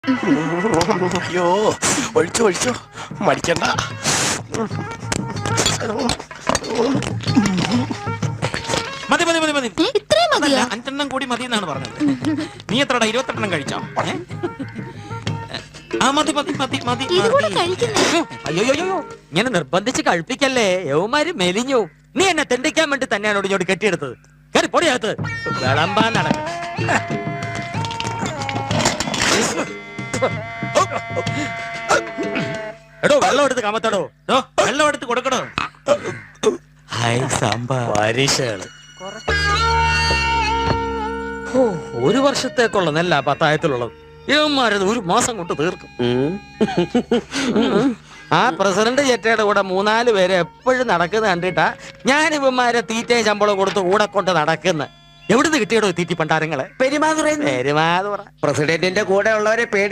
അയ്യോ ഒഴിച്ചോ ഒഴിച്ചോ മടിക്കണ്ട. മതി മതി മതി മതി. ഇത്രയും മതിയോ? 5 കൂടി മതി എന്നാണ് പറഞ്ഞത്. നീ എത്രടാ 28 കഴിച്ചോ? ആ മതി മതി മതി മതി. ഇതുകൂടെ കഴിക്കുന്നേ. അയ്യോ ഇങ്ങനെ നിർബന്ധിച്ച് കഴിപ്പിക്കല്ലേ, യവന്മാര് മെലിഞ്ഞു. നീ എന്നെ തെണ്ടിക്കാൻ വേണ്ടി തന്നെയാണ് ഇങ്ങോട്ട് കെട്ടിയെടുത്തത്. കയറി പൊടിയകത്ത് വിളമ്പാൻ നടക്കും. എടോ വെള്ളം എടുത്ത് കമത്തടോ. വെള്ളം എടുത്ത് കൊടുക്കണോ? ഹായ് സാമ്പാർ പരീക്ഷകള്. ഒരു വർഷത്തേക്കുള്ള നെല്ല പത്തായത്തിലുള്ളത്. ഇവന്മാരത് ഒരു മാസം കൊണ്ട് തീർക്കും. ആ പ്രസിഡന്റ് ചെറ്റയുടെ കൂടെ 3-4 പേര് എപ്പോഴും നടക്കുന്ന കണ്ടിട്ടാ ഞാൻ ഇവന്മാരെ തീറ്റയും ശമ്പളം കൊടുത്ത് കൂടെ കൊണ്ട് നടക്കുന്ന. എവിടുന്ന് കിട്ടിയടോ തീറ്റി പണ്ടാരങ്ങളെ? പെരുമാതുറ പെരുമാതുറ പ്രസിഡന്റിന്റെ കൂടെ ഉള്ളവരെ